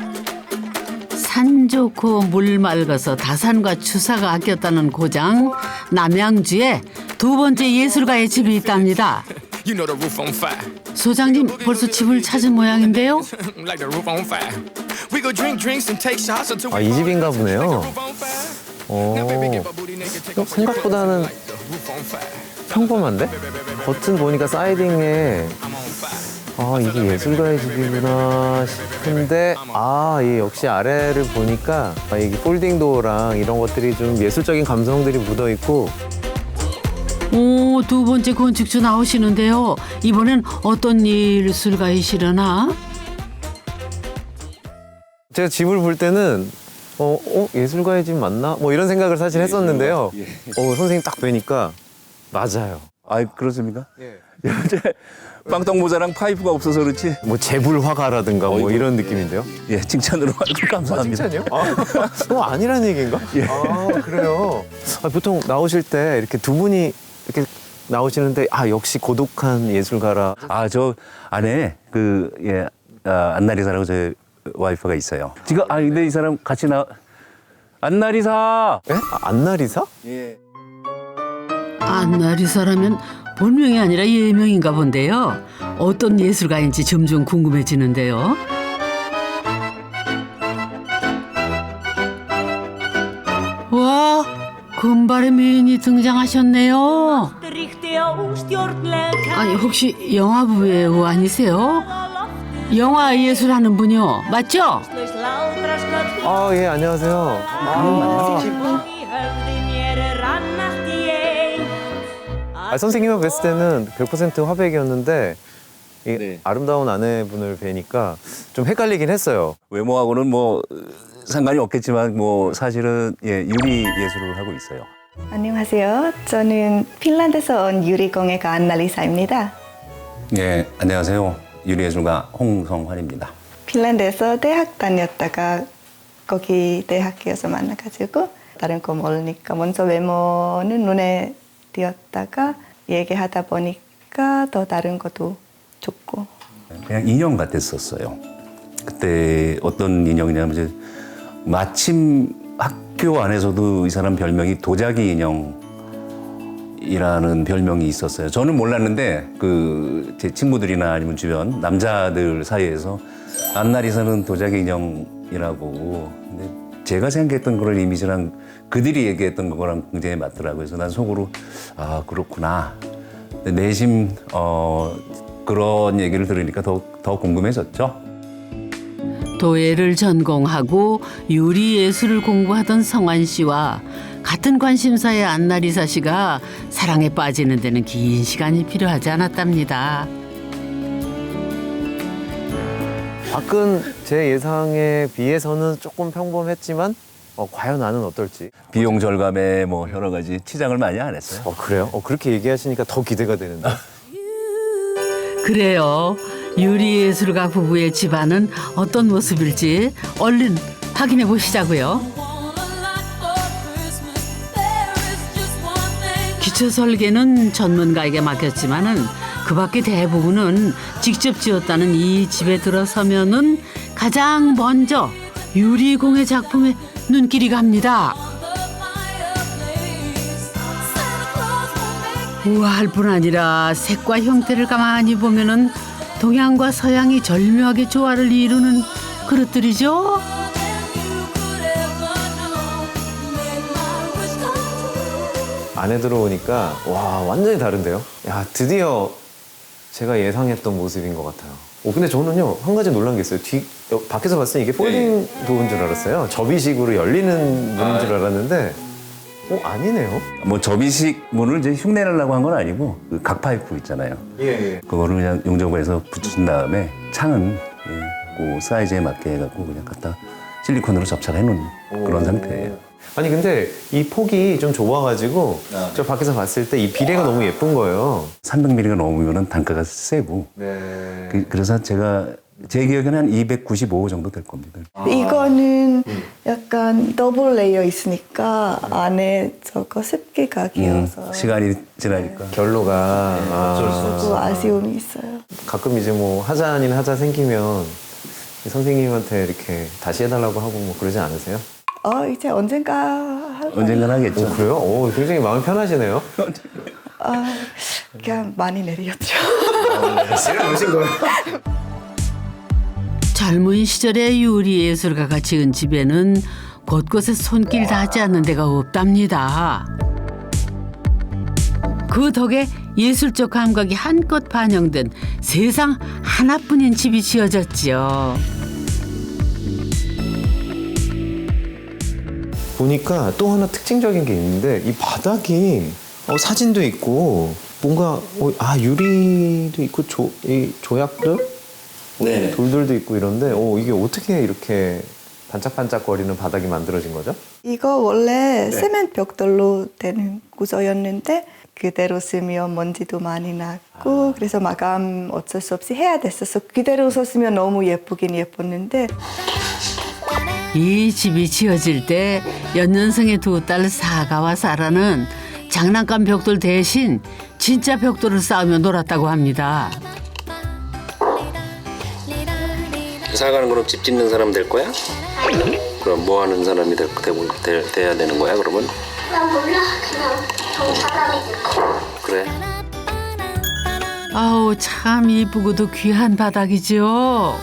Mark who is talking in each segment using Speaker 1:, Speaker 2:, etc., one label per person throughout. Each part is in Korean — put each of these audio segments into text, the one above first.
Speaker 1: 산 좋고 물 맑아서 다산과 추사가 아꼈다는 고장 남양주에 두 번째 예술가의 집이 있답니다.
Speaker 2: You know the roof on fire.
Speaker 1: 소장님 벌써 집을 찾은 모양인데요.
Speaker 2: Like the roof on fire. We go drink drinks and take shots until we
Speaker 3: 아, 이 집인가 보네요.
Speaker 2: roof on fire. Now baby get my booty naked, take off your clothes
Speaker 3: 생각보다는
Speaker 2: like the roof on fire.
Speaker 3: 평범한데? 겉은 보니까 사이딩에
Speaker 2: I'm on fire.
Speaker 3: 아, 이게 예술가의 집이구나 싶은데 이 역시 아래를 보니까 이게 폴딩 도어랑 이런 것들이 좀 예술적인 감성들이 묻어 있고
Speaker 1: 오, 두 번째 건축주 나오시는데요. 이번엔 어떤 예술가이시려나?
Speaker 3: 제가 집을 볼 때는 예술가의 집 맞나? 뭐 이런 생각을 사실 했었는데요. 선생님 딱 뵈니까 맞아요.
Speaker 4: 아, 그렇습니까? 요새 빵떡 모자랑 파이프가 없어서 그렇지.
Speaker 3: 뭐 재불 화가라든가 뭐 이런 느낌인데요.
Speaker 4: 예, 칭찬으로 아주 감사합니다.
Speaker 3: 칭찬이요? 아니란 얘기인가? 그래요. 보통 나오실 때 이렇게 두 분이 이렇게 나오시는데 역시 고독한 예술가라.
Speaker 4: 저 안에 안나리사라고 제 와이프가 있어요. 지금 근데 이 사람 같이 안나리사.
Speaker 3: 예? 안나리사?
Speaker 4: 예.
Speaker 1: 안나리사라면 본명이 아니라 예명인가 본데요. 어떤 예술가인지 점점 궁금해지는데요. 와, 금발의 미인이 등장하셨네요. 아니 혹시 영화 배우 아니세요? 영화 예술하는 분이요, 맞죠?
Speaker 3: 예, 안녕하세요. 선생님을 뵀을 때는 100% 화백이었는데 이 아름다운 아내분을 뵈니까 좀 헷갈리긴 했어요.
Speaker 4: 외모하고는 뭐 상관이 없겠지만 뭐 사실은 유리 예술을 하고 있어요.
Speaker 5: 안녕하세요. 저는 핀란드에서 온 유리공예가 안날리사입니다.
Speaker 4: 예, 안녕하세요. 유리예술가 홍성환입니다.
Speaker 5: 핀란드에서 대학 다녔다가 거기 대학교에서 만나가지고 다른 거 모르니까 먼저 외모는 눈에 띄었다가 얘기하다 보니까 더 다른 것도 좋고.
Speaker 4: 그냥 인형 같았었어요. 그때 어떤 인형이냐면 이제 마침 학교 안에서도 이 사람 별명이 도자기 인형이라는 별명이 있었어요. 저는 몰랐는데 제 친구들이나 아니면 주변 남자들 사이에서 안나리사는 도자기 인형이라고. 근데 제가 생각했던 그런 이미지랑 그들이 얘기했던 거랑 굉장히 맞더라고요. 그래서 난 속으로 그렇구나. 근데 내심 그런 얘기를 들으니까 더 궁금해졌죠.
Speaker 1: 도예를 전공하고 유리 예술을 공부하던 성환 씨와 같은 관심사의 안나리사 씨가 사랑에 빠지는 데는 긴 시간이 필요하지 않았답니다.
Speaker 3: 밖은 제 예상에 비해서는 조금 평범했지만 과연 나는 어떨지.
Speaker 4: 비용 절감에 뭐 여러 가지 치장을 많이 안 했어요.
Speaker 3: 그래요? 그렇게 얘기하시니까 더 기대가 되는데.
Speaker 1: 그래요. 유리 예술가 부부의 집안은 어떤 모습일지 얼른 확인해 보시자고요. 기초 설계는 전문가에게 맡겼지만은 그 밖의 대부분은 직접 지었다는 이 집에 들어서면은 가장 먼저 유리공예 작품에 눈길이 갑니다. 우아할 뿐 아니라 색과 형태를 가만히 보면은 동양과 서양이 절묘하게 조화를 이루는 그릇들이죠.
Speaker 3: 안에 들어오니까 완전히 다른데요. 드디어 제가 예상했던 모습인 것 같아요. 근데 저는요 한 가지 놀란 게 있어요. 밖에서 봤을 때 이게 폴딩 도어인 줄 알았어요. 접이식으로 열리는 문인 줄 알았는데 아니네요.
Speaker 4: 뭐 접이식 문을 이제 흉내내려고 한 건 아니고 그 각파이프 있잖아요.
Speaker 3: 예.
Speaker 4: 그거를 그냥 용접해서 붙인 다음에 창은 그 사이즈에 맞게 해갖고 그냥 갖다 실리콘으로 접착해 놓은 그런 상태예요.
Speaker 3: 아니 근데 이 폭이 좀 좁아가지고 저 밖에서 봤을 때 이 비례가 너무 예쁜 거예요.
Speaker 4: 300mm가 넘으면 단가가 세고.
Speaker 3: 네.
Speaker 4: 그래서 제 기억에는 한 295 정도 될 겁니다.
Speaker 5: 이거는 약간 더블 레이어 있으니까 안에 저거 습기가 끼어서
Speaker 4: 시간이 지나니까.
Speaker 3: 결로가
Speaker 5: 조금 아쉬움이 있어요.
Speaker 3: 가끔 이제 뭐 하자 아닌 하자 생기면 선생님한테 이렇게 다시 해달라고 하고 뭐 그러지 않으세요?
Speaker 5: 이제 언젠가 할 거예요.
Speaker 4: 언젠간 하겠죠.
Speaker 3: 그래요? 굉장히 마음이 편하시네요.
Speaker 5: 그냥 많이 내렸죠.
Speaker 1: 젊은 시절의 유리 예술가가 지은 집에는 곳곳에 손길 닿지 않는 데가 없답니다. 그 덕에 예술적 감각이 한껏 반영된 세상 하나뿐인 집이 지어졌지요.
Speaker 3: 보니까 또 하나 특징적인 게 있는데 이 바닥이 사진도 있고 뭔가 유리도 있고 이 조약들
Speaker 4: 네.
Speaker 3: 돌들도 있고 이런데 이게 어떻게 이렇게 반짝반짝거리는 바닥이 만들어진 거죠?
Speaker 5: 이거 원래 세멘 벽돌로 되는 구조였는데 그대로 쓰면 먼지도 많이 났고 그래서 마감 어쩔 수 없이 해야 됐어서 그대로 썼으면 너무 예쁘긴 예뻤는데
Speaker 1: 이 집이 지어질 때 연년생의 두 딸 사가와 사라는 장난감 벽돌 대신 진짜 벽돌을 쌓으며 놀았다고 합니다.
Speaker 4: 사가는 그럼 집 짓는 사람 될 거야? 그럼 뭐 하는 사람이 돼야 되는 거야 그러면?
Speaker 6: 나 몰라. 그냥 저 사람이
Speaker 4: 그래.
Speaker 1: 아우 참 이쁘고도 귀한 바닥이죠.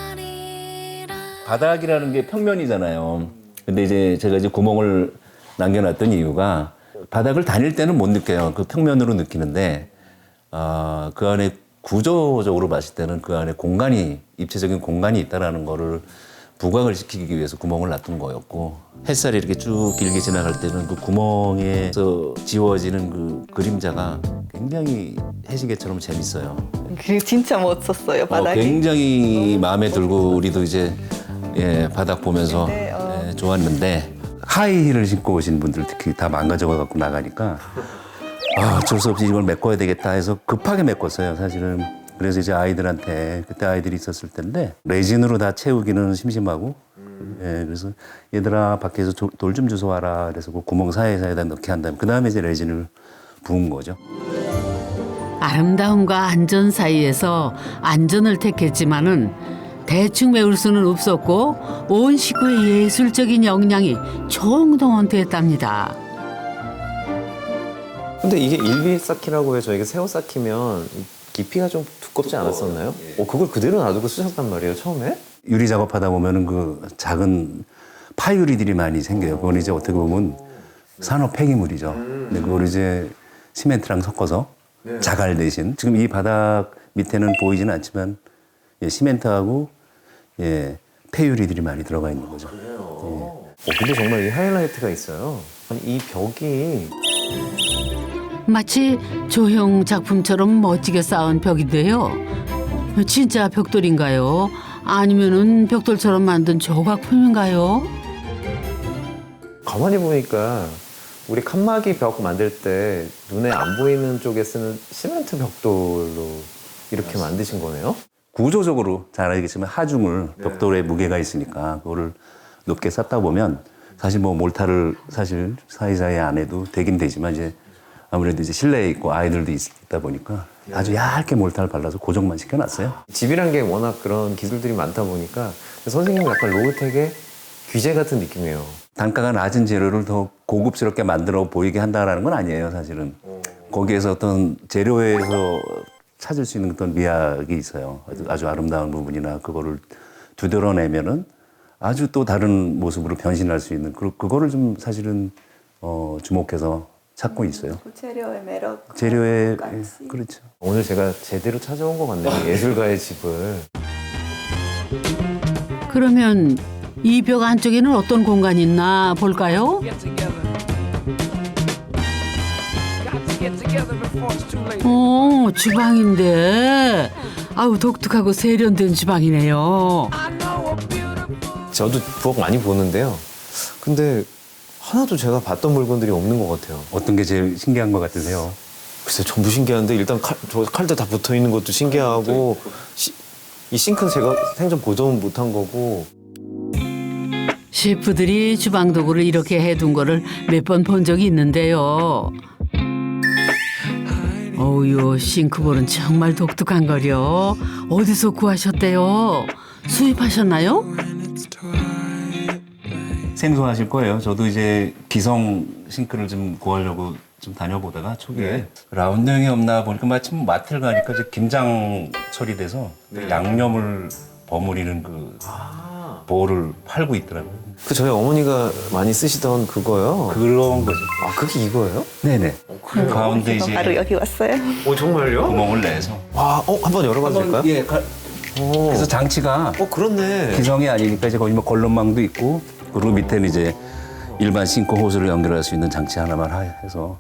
Speaker 4: 바닥이라는 게 평면이잖아요. 근데 이제 제가 이제 구멍을 남겨놨던 이유가 바닥을 다닐 때는 못 느껴요. 그 평면으로 느끼는데 그 안에 구조적으로 봤을 때는 그 안에 공간이 입체적인 공간이 있다라는 거를 부각을 시키기 위해서 구멍을 놔둔 거였고 햇살이 이렇게 쭉 길게 지나갈 때는 그 구멍에서 지워지는 그 그림자가 굉장히 해시계처럼 재밌어요.
Speaker 5: 그게 진짜 멋졌어요 바닥이.
Speaker 4: 굉장히 마음에 들고 우리도 이제 바닥 보면서
Speaker 5: 네,
Speaker 4: 좋았는데 하이힐을 신고 오신 분들 특히 다 망가져 갖고 나가니까 어쩔 수 없이 이걸 메꿔야 되겠다 해서 급하게 메꿨어요 사실은. 그래서 이제 아이들한테 그때 아이들이 있었을 텐데 레진으로 다 채우기는 심심하고 그래서 얘들아 밖에서 돌 좀 주워 와라 그래서 그 구멍 사이에다 넣게 한 다음에 그 다음에 이제 레진을 부은 거죠.
Speaker 1: 아름다움과 안전 사이에서 안전을 택했지만은 대충 메울 수는 없었고 온 식구의 예술적인 역량이 총동원됐답니다.
Speaker 3: 근데 이게 일비쌓기라고 해서 저희가 새우 쌓기면 깊이가 좀 두껍지 않았었나요? 그걸 그대로 놔두고 쓰셨단 말이에요 처음에?
Speaker 4: 유리 작업하다 보면은 그 작은 파유리들이 많이 생겨요. 그건 이제 어떻게 보면 산업 폐기물이죠. 근데 그걸 이제 시멘트랑 섞어서 자갈 대신 지금 이 바닥 밑에는 보이지는 않지만 시멘트하고 폐유리들이 많이 들어가 있는 거죠.
Speaker 3: 근데 정말 이 하이라이트가 있어요. 아니 이 벽이
Speaker 1: 마치 조형 작품처럼 멋지게 쌓은 벽인데요. 진짜 벽돌인가요? 아니면은 벽돌처럼 만든 조각품인가요?
Speaker 3: 가만히 보니까 우리 칸막이 벽 만들 때 눈에 안 보이는 쪽에 쓰는 시멘트 벽돌로 이렇게 만드신 거네요?
Speaker 4: 구조적으로 잘 알겠지만 하중을 벽돌에 무게가 있으니까 그거를 높게 쌓다 보면 사실 뭐 몰타를 사실 사이사이 안 해도 되긴 되지만 이제 아무래도 이제 실내에 있고 아이들도 있다 보니까 아주 얇게 몰타를 발라서 고정만 시켜놨어요.
Speaker 3: 집이란 게 워낙 그런 기술들이 많다 보니까 선생님은 약간 로우텍의 귀재 같은 느낌이에요.
Speaker 4: 단가가 낮은 재료를 더 고급스럽게 만들어 보이게 한다는 건 아니에요, 사실은. 거기에서 어떤 재료에서 찾을 수 있는 어떤 미학이 있어요. 아주 아름다운 부분이나 그거를 두드러내면은 아주 또 다른 모습으로 변신할 수 있는 그거를 좀 사실은 주목해서 찾고 있어요.
Speaker 5: 재료의 매력.
Speaker 4: 재료의
Speaker 5: 같이.
Speaker 4: 그렇죠.
Speaker 3: 오늘 제가 제대로 찾아온 것 같네요. 예술가의 집을.
Speaker 1: 그러면 이 벽 안쪽에는 어떤 공간이 있나 볼까요?
Speaker 2: Get together. Got to get together before it's too late.
Speaker 1: 주방인데 아우 독특하고 세련된 주방이네요.
Speaker 2: I know a beautiful.
Speaker 3: 저도 부엌 많이 보는데요. 근데 하나도 제가 봤던 물건들이 없는 것 같아요.
Speaker 4: 어떤 게 제일 신기한 것 같으세요?
Speaker 3: 글쎄 전부 신기한데 일단 칼도 다 붙어 있는 것도 신기하고 이 싱크는 제가 생전 보존 못한 거고.
Speaker 1: 셰프들이 주방 도구를 이렇게 해둔 거를 몇 번 본 적이 있는데요. 어우요 싱크볼은 정말 독특한 거려. 어디서 구하셨대요? 수입하셨나요?
Speaker 4: 생소하실 거예요. 저도 이제 기성 싱크를 좀 구하려고 좀 다녀보다가 초기에 라운드형이 없나 보니까 마침 마트를 가니까 이제 김장 처리돼서 양념을 버무리는 그 볼을 팔고 있더라고요.
Speaker 3: 그 저희 어머니가 많이 쓰시던 그거요.
Speaker 4: 그런 거죠.
Speaker 3: 아 그게 이거예요?
Speaker 4: 네네. 그 가운데
Speaker 5: 그래서
Speaker 4: 이제
Speaker 5: 바로 여기 왔어요.
Speaker 3: 정말요?
Speaker 4: 구멍을 내서.
Speaker 3: 와, 한번 열어봐도 될까요?
Speaker 4: 예.
Speaker 3: 오.
Speaker 4: 그래서 장치가
Speaker 3: 그렇네.
Speaker 4: 기성이 아니니까 이제 거기 뭐 걸럼망도 있고 그리고 밑에는 이제 일반 싱크 호스를 연결할 수 있는 장치 하나만 해서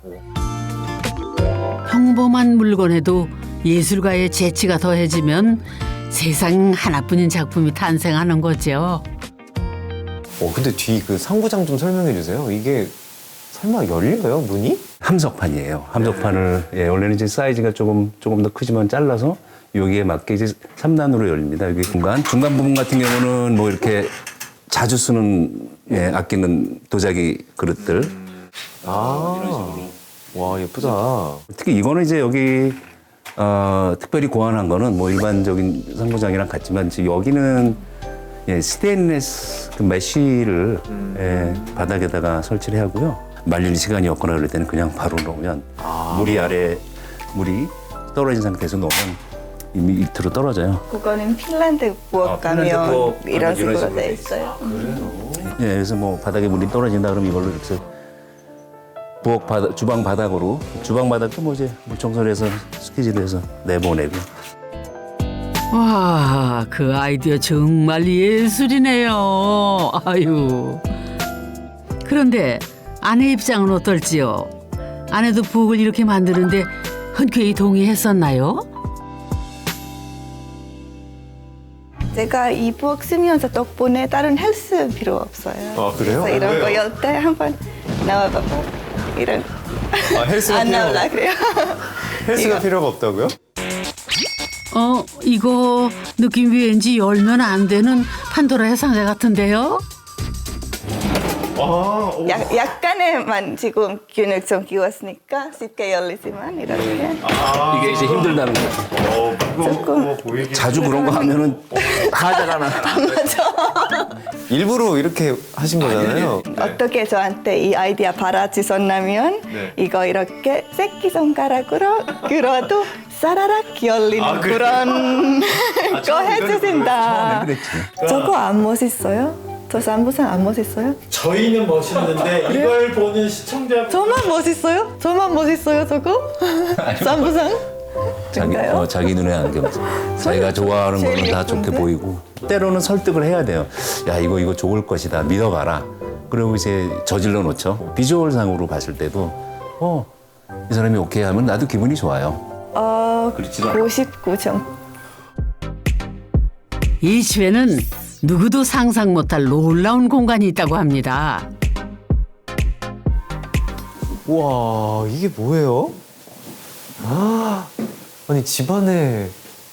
Speaker 1: 평범한 물건에도 예술가의 재치가 더해지면 세상 하나뿐인 작품이 탄생하는 거죠.
Speaker 3: 근데 뒤 그 상부장 좀 설명해 주세요. 이게 설마 열려요, 문이?
Speaker 4: 함석판이에요. 함석판을 원래는 이제 사이즈가 조금 더 크지만 잘라서 여기에 맞게 이제 3단으로 열립니다. 여기 중간 부분 같은 경우는 뭐 이렇게 자주 쓰는 아끼는 도자기 그릇들.
Speaker 3: 와, 예쁘다.
Speaker 4: 특히 이거는 이제 여기 특별히 고안한 거는 뭐 일반적인 상부장이랑 같지만 지금 여기는 스테인리스 그 메쉬를 바닥에다가 설치를 하고요. 말릴 시간이 없거나 그럴 때는 그냥 바로 놓으면 물이 떨어진 상태에서 놓으면 이미 밑으로 떨어져요.
Speaker 5: 그거는 핀란드 부엌
Speaker 4: 핀란드
Speaker 5: 가면
Speaker 4: 부엌
Speaker 5: 이런
Speaker 4: 가면 이런
Speaker 5: 식으로
Speaker 4: 식으로
Speaker 5: 돼 있어요.
Speaker 4: 그래서 뭐 바닥에 물이 떨어진다 그러면 이걸로 이렇게 주방 바닥으로 주방 바닥도 뭐 이제 물 청소를 해서 스키지를 해서 내보내고.
Speaker 1: 와, 그 아이디어 정말 예술이네요. 아유. 그런데 아내 입장은 어떨지요? 아내도 부엌을 이렇게 만드는데 흔쾌히 동의했었나요?
Speaker 5: 제가 이 부엌 쓰면서 덕분에 다른 헬스 필요 없어요.
Speaker 3: 그래요?
Speaker 5: 그래서 이런 거 열 때 한번 나와봐봐. 이런
Speaker 3: 헬스가
Speaker 5: 안 나올라 그래요.
Speaker 3: 헬스가 필요가 없다고요?
Speaker 1: 이거 느낌이 왠지 열면 안 되는 판도라의 상자 같은데요?
Speaker 5: 약간의만 지금 균을 좀 끼웠으니까 쉽게 열리지만 이렇게
Speaker 4: 이게 이제 힘들다는 거죠.
Speaker 5: 조금
Speaker 4: 자주 그런 거 하면은 하자가 나.
Speaker 3: 일부러 이렇게 하신 거잖아요.
Speaker 5: 어떻게 저한테 이 아이디어 바라주셨냐면 이거 이렇게 새끼손가락으로 끌어도 사라락 열리는 그런 거 해주신다. 저거 안 멋있어요? 저 쌈부상 안 멋있어요?
Speaker 7: 저희는 멋있는데 이걸 보는 시청자
Speaker 5: 저만 멋있어요? 저만 멋있어요 저거? 쌈부상? 진짜요?
Speaker 4: 자기 눈에 안경. 자기가 좋아하는
Speaker 5: 제일
Speaker 4: 거는 다 좋게
Speaker 5: 예쁜데?
Speaker 4: 보이고. 때로는 설득을 해야 돼요. 야 이거 좋을 것이다. 믿어봐라. 그리고 이제 저질러 놓죠. 비주얼상으로 봤을 때도 이 사람이 오케이 하면 나도 기분이 좋아요.
Speaker 5: 99점.
Speaker 1: 이 집에는 누구도 상상 못할 놀라운 공간이 있다고 합니다.
Speaker 3: 우와, 이게 뭐예요? 아니 집안에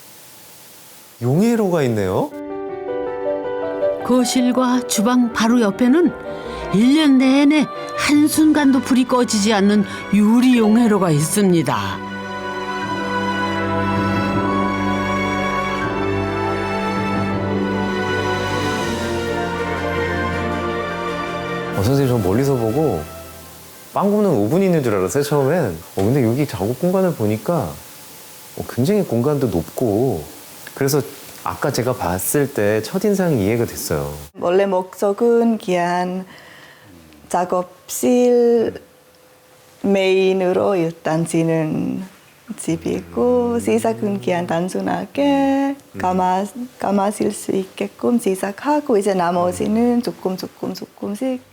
Speaker 3: 용해로가 있네요.
Speaker 1: 거실과 주방 바로 옆에는 1년 내내 한순간도 불이 꺼지지 않는 유리 용해로가 있습니다.
Speaker 3: 선생님 저 멀리서 보고 빵 굽는 오븐이 있는 줄 알았어요 처음엔. 근데 여기 작업 공간을 보니까 굉장히 공간도 높고 그래서 아까 제가 봤을 때 첫인상이 이해가 됐어요.
Speaker 5: 원래 목적은 그냥 작업실 메인으로 일단 지는 집이고 시작은 그냥 단순하게 감아질 수 있게끔 시작하고 이제 나머지는 조금씩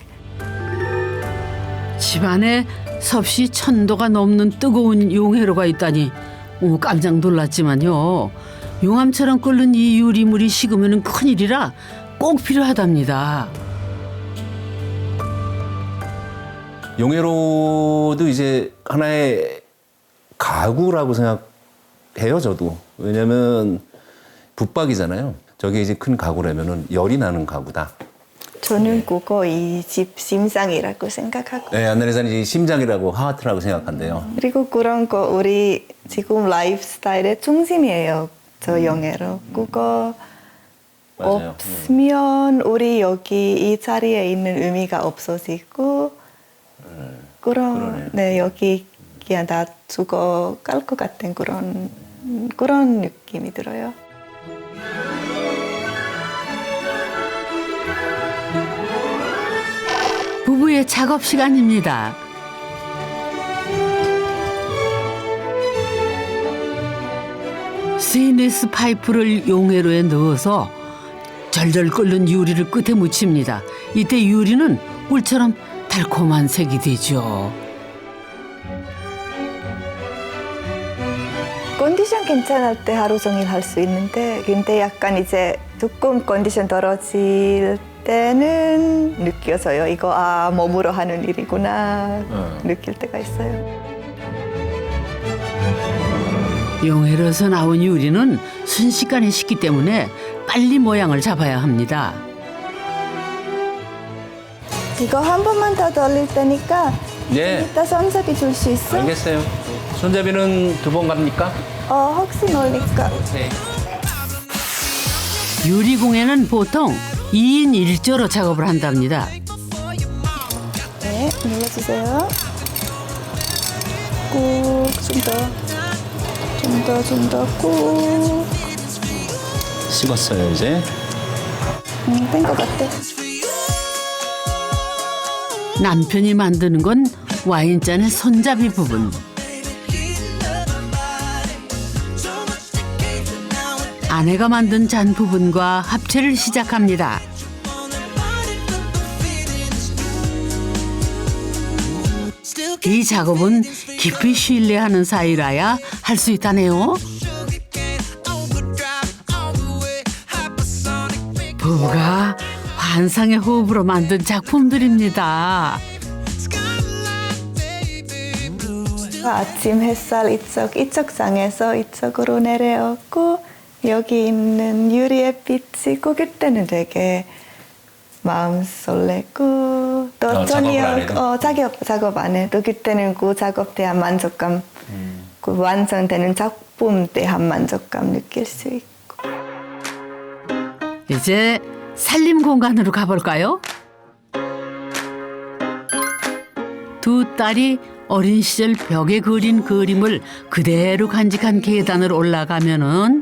Speaker 1: 집안에 섭씨 1000도가 넘는 뜨거운 용해로가 있다니 깜짝 놀랐지만요. 용암처럼 끓는 이 유리물이 식으면 큰일이라 꼭 필요하답니다.
Speaker 4: 용해로도 이제 하나의 가구라고 생각해요, 저도. 왜냐면 붙박이잖아요. 저게 이제 큰 가구라면은 열이 나는 가구다.
Speaker 5: 저는 그거 이 집 심장이라고 생각하고
Speaker 4: 네, 안나리사는 이 심장이라고 하트라고 생각한대요.
Speaker 5: 그리고 그런 거 우리 지금 라이프 스타일의 중심이에요. 저 영예로 그거
Speaker 4: 맞아요.
Speaker 5: 없으면 우리 여기 이 자리에 있는 의미가 없어지고 그런 네 여기 그냥 다 죽어갈 것 같은 그런 느낌이 들어요.
Speaker 1: 부부의 작업 시간입니다. 스테인리스 파이프를 용해로에 넣어서 절절 끓는 유리를 끝에 묻힙니다. 이때 유리는 꿀처럼 달콤한 색이 되죠.
Speaker 5: 컨디션 괜찮을 때 하루 종일 할 수 있는데 근데 약간 이제 조금 컨디션 떨어질 때는 느껴져요. 이거 몸으로 하는 일이구나 느낄 때가 있어요.
Speaker 1: 용해로에서 나온 유리는 순식간에 식기 때문에 빨리 모양을 잡아야 합니다.
Speaker 5: 이거 한 번만 더 돌릴 테니까
Speaker 4: 네.
Speaker 5: 이따 손잡이 줄 수 있어?
Speaker 4: 알겠어요. 손잡이는 2번 갑니까?
Speaker 5: 혹시 모르니까.
Speaker 1: 유리공예는 보통 2인 1조로 작업을 한답니다.
Speaker 5: 네, 눌러주세요. 꾹, 좀 더 꾹.
Speaker 4: 식었어요, 이제.
Speaker 5: 된 것 같아.
Speaker 1: 남편이 만드는 건 와인잔의 손잡이 부분. 아내가 만든 잔 부분과 합체를 시작합니다. 이 작업은 깊이 신뢰하는 사이라야 할 수 있다네요. 부부가 환상의 호흡으로 만든 작품들입니다.
Speaker 5: 아침 햇살 이쪽 장에서 이쪽으로 내려오고 여기 있는 유리의 빛이 꽂힐 때는 되게 마음 설레고 또 저녁 작업 안 해도 그때는 그 작업 대한 만족감 그 완성되는 작품 대한 만족감 느낄 수 있고
Speaker 1: 이제 살림 공간으로 가볼까요? 두 딸이 어린 시절 벽에 그린 그림을 그대로 간직한 계단을 올라가면은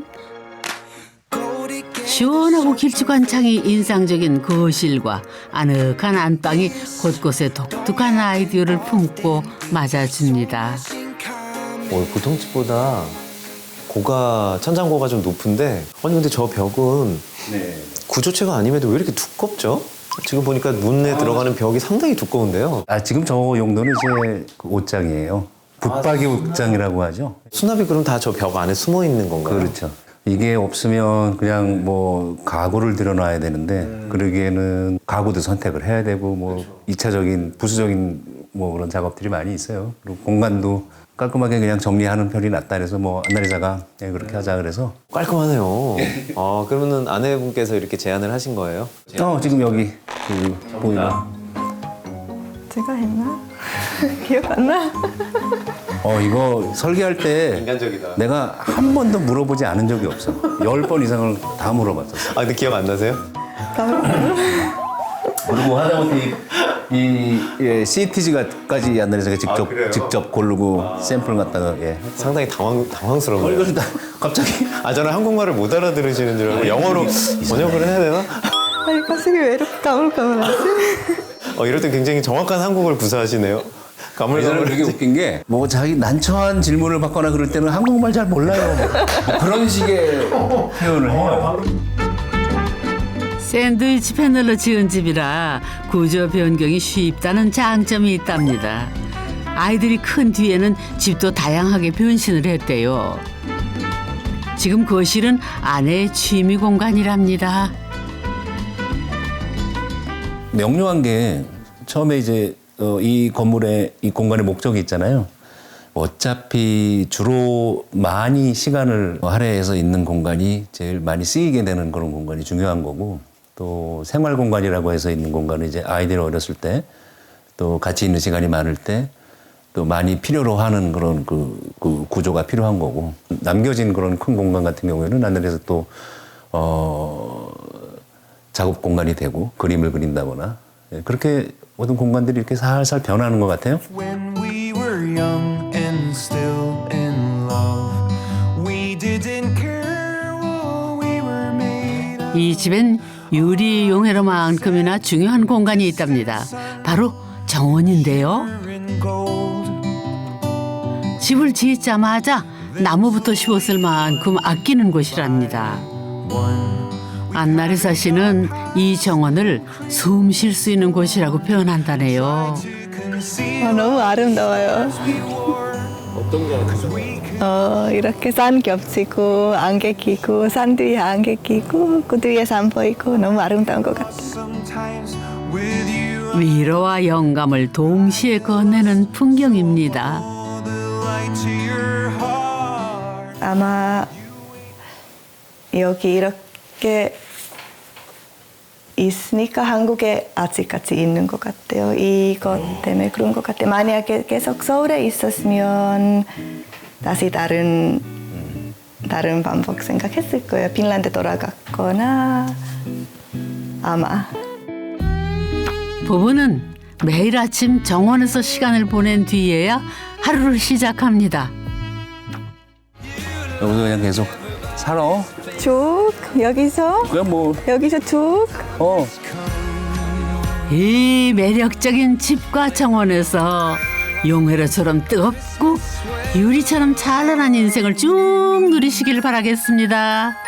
Speaker 1: 시원하고 길쭉한 창이 인상적인 거실과 아늑한 안방이 곳곳에 독특한 아이디어를 품고 맞아줍니다.
Speaker 3: 보통 집보다 천장고가 좀 높은데 아니 근데 저 벽은 구조체가 아님에도 왜 이렇게 두껍죠? 지금 보니까 문에 들어가는 벽이 상당히 두꺼운데요.
Speaker 4: 지금 저 용도는 이제 그 옷장이에요. 붙박이 옷장이라고 하죠.
Speaker 3: 수납이 그럼 다 저 벽 안에 숨어 있는 건가요?
Speaker 4: 그렇죠. 이게 없으면 그냥 뭐 가구를 들여놔야 되는데 그러기에는 가구도 선택을 해야 되고 뭐 이차적인 부수적인 뭐 그런 작업들이 많이 있어요. 그리고 공간도 깔끔하게 그냥 정리하는 편이 낫다 그래서 뭐 안나리사가 그렇게 하자 그래서
Speaker 3: 깔끔하네요. 그러면은 아내분께서 이렇게 제안을 하신 거예요?
Speaker 4: 지금 여기 보이는
Speaker 5: 제가 했나? 기억 안 나?
Speaker 4: 이거 설계할 때
Speaker 3: 인간적이다.
Speaker 4: 내가 한 번도 물어보지 않은 적이 없어. 10번 이상을 다 물어봤었어.
Speaker 3: 근데 기억 안 나세요?
Speaker 4: 그리고 하다못해 이 CTG까지 안나리사가 직접 고르고 샘플 갖다가
Speaker 3: 상당히 당황스러워요.
Speaker 4: 이걸 다 갑자기
Speaker 3: 저는 한국말을 못 알아들으시는 줄 알고 영어로 번역을 해야 되나?
Speaker 5: 아니 가슴이 왜 이렇게 가물가물하지?
Speaker 3: 이럴 때 굉장히 정확한 한국어를 구사하시네요.
Speaker 4: 예전에 되게
Speaker 3: 가물가물하지.
Speaker 4: 웃긴 게 뭐 자기 난처한 질문을 받거나 그럴 때는 한국말 잘 몰라요. 뭐 그런 식의 표현을 해요.
Speaker 1: 샌드위치 패널로 지은 집이라 구조 변경이 쉽다는 장점이 있답니다. 아이들이 큰 뒤에는 집도 다양하게 변신을 했대요. 지금 거실은 아내의 취미 공간이랍니다.
Speaker 4: 명료한 게 처음에 이제 이 건물의 이 공간의 목적이 있잖아요. 어차피 주로 많이 시간을 할애해서 있는 공간이 제일 많이 쓰이게 되는 그런 공간이 중요한 거고 또 생활 공간이라고 해서 있는 공간은 이제 아이들이 어렸을 때 또 같이 있는 시간이 많을 때 또 많이 필요로 하는 그런 그 구조가 필요한 거고 남겨진 그런 큰 공간 같은 경우에는 하늘에서 또 작업 공간이 되고 그림을 그린다거나 예, 그렇게 모든 공간들이 이렇게 살살 변하는 것 같아요.
Speaker 2: When we were young and still in love, we didn't care what we were made of.
Speaker 1: 이 집엔 유리 용해로만큼이나 중요한 공간이 있답니다. 바로 정원인데요.
Speaker 2: In gold.
Speaker 1: 집을 짓자마자 나무부터 심었을 만큼 아끼는 곳이랍니다. 안나리사 씨는 이 정원을 숨 쉴 수 있는 곳이라고 표현한다네요.
Speaker 5: 너무 아름다워요. 이렇게 산 겹치고 안개 끼고 산 뒤에 안개 끼고 그 뒤에 산 보이고 너무 아름다운 것 같아요.
Speaker 2: Sometimes with you,
Speaker 1: 위로와 영감을 동시에 건네는 풍경입니다.
Speaker 2: the light to your heart.
Speaker 5: 아마 여기 이렇게 있으니까 한국에 아직까지 있는 것 같아요. 이것 때문에 그런 것 같아요. 만약에 계속 서울에 있었으면 다시 다른 방법 생각했을 거예요. 핀란드 돌아갔거나 아마.
Speaker 1: 부부는 매일 아침 정원에서 시간을 보낸 뒤에야 하루를 시작합니다.
Speaker 4: 여기서 그냥 계속 살아.
Speaker 5: 쭉 여기서
Speaker 4: 그냥 뭐
Speaker 5: 여기서 쭉.
Speaker 1: 이 매력적인 집과 정원에서 용회로처럼 뜨겁고 유리처럼 찬란한 인생을 쭉 누리시길 바라겠습니다.